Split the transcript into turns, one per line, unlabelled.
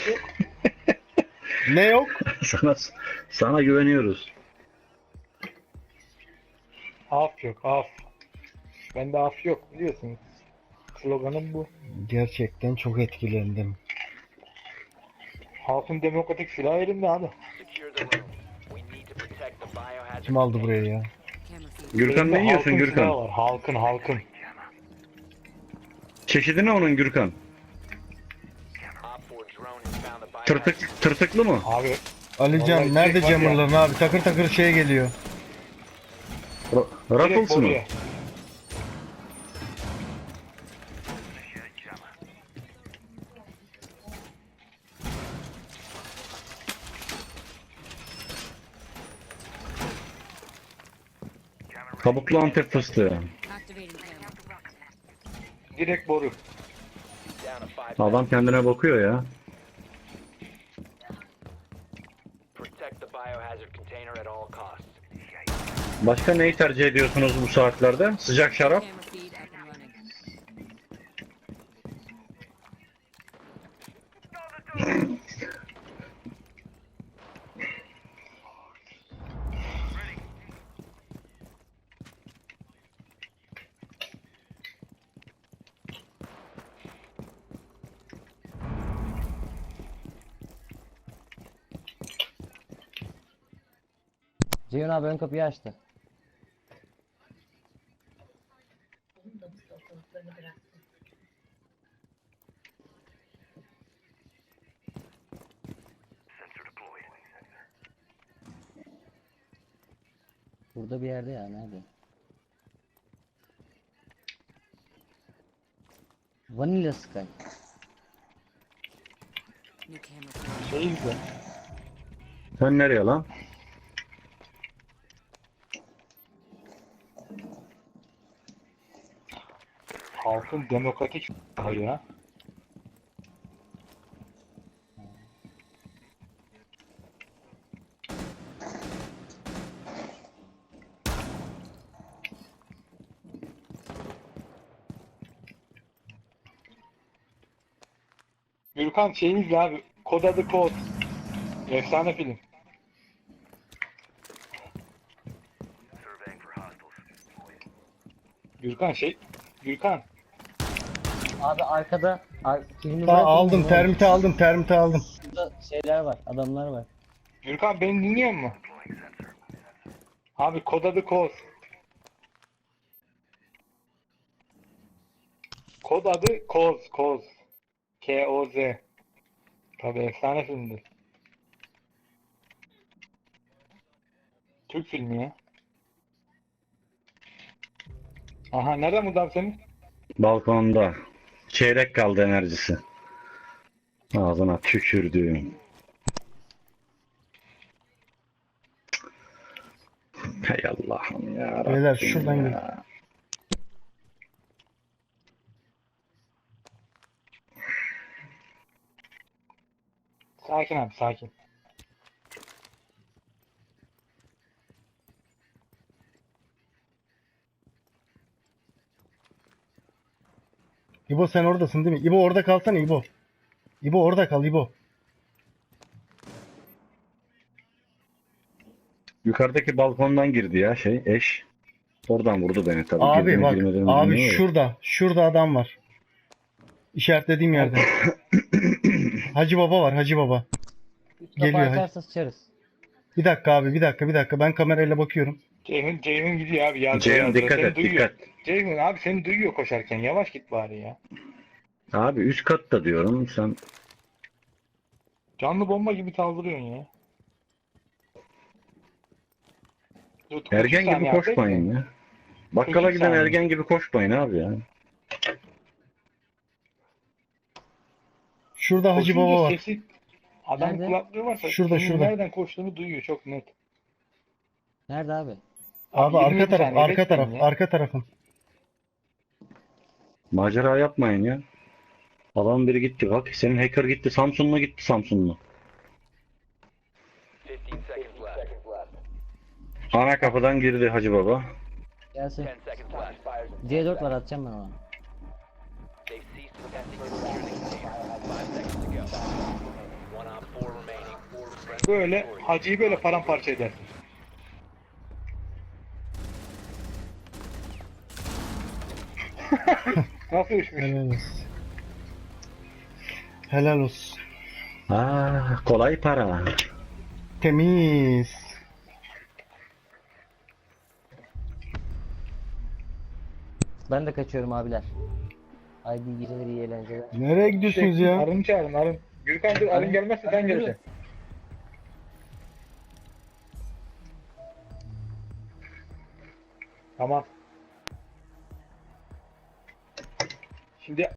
yok.
Ne yok?
Sana güveniyoruz.
Af yok, af. Bende af yok biliyorsunuz. Sloganım bu.
Gerçekten çok etkilendim.
Halkın demokratik silahı elimde abi.
Kim aldı buraya ya?
Gürkan
Elimde
ne yiyorsun
halkın
Gürkan?
silahı var. Halkın.
Çeşidi ne onun Gürkan? Tırtıklı mı?
Abi
Alican
Vallahi
nerede
direkt var ya.
camırların abi? Takır takır şey geliyor.
direkt
Ruffles mı?
boruya.
Kabuklu Antep fıstığı.
Direkt boru.
Adam kendine bakıyor ya. Başka neyi tercih ediyorsunuz bu saatlerde? Sıcak şarap.
Ceyhun abi ön kapıyı açtı. Burada bir yerde ya, nerede? Vanilla Sky.
Şey izle.
Sen nereye lan?
Halkın demokratik silahı ya. Gürkan şey izle abi. Kod adı kod. Efsane film. Gürkan.
Abi arkada filmi
Aldım termite aldım.
Burada şeyler var, adamlar var.
Gürkan beni dinliyor mu? Abi kod adı kod. Kod adı Koz. K-O-Z. Tabii efsane filmdir. Türk filmi ya. Aha nereden bu senin?
Balkonda. Çeyrek kaldı enerjisi. Ağzına tükürdüğüm. Hay Allah'ım ya Rabbim.
Beyler şuradan
ya.
gel.
Sakin abi sakin.
İbo sen oradasın değil mi? İbo orada kalsana İbo. İbo orada kal İbo.
Yukarıdaki balkondan girdi ya eş. Oradan vurdu beni tabii.
Abi
Girdi mi,
bak
girmedi mi
abi
bilmiyorum ya.
şurada adam var. İşaretlediğim yerde. Hacı Baba var Hacı Baba.
Üst kapı
Geliyor, hadi.
açarsa sıçarız.
Bir dakika abi bir dakika ben kamerayla bakıyorum.
Ceyhun gidiyor abi ya.
Ceyhun dikkat et dikkat.
Ceyhun abi seni duyuyor koşarken. Yavaş git bari ya.
Abi üst katta diyorum sen.
Canlı bomba gibi saldırıyorsun ya. Dur,
Ergen
3
gibi
saniye
koşmayın
abi.
ya. Bakkala
3
giden
saniye.
ergen gibi koşmayın abi ya.
Şurada Hacı
Koşunca
Baba var.
sesi, adam
Nerede?
kulaklığı varsa
Şurada,
kimin
şurada.
nereden koştuğunu duyuyor çok net.
Nerede abi?
Abi
27
arka taraf
saniye bekleyin ya.
arka tarafım.
Macera yapmayın ya. Adam biri gitti bak. Senin hacker gitti. Samsunlu gitti Samsunlu. Ana kapıdan girdi Hacı Baba.
Gelsin. C4 var, atacağım ben ona.
Böyle hacıyı böyle paramparça edersin. Nasıl uçmuş?
Helal olsun. Helal olsun.
Kolay para.
Temiz.
Ben de kaçıyorum abiler. Haydi iyi geceler, iyi eğlenceler.
Nereye gidiyorsunuz ya?
Arın çağırın Arın. Gürkan dur Arın gelmezse sen geleceksin. Tamam. Şimdi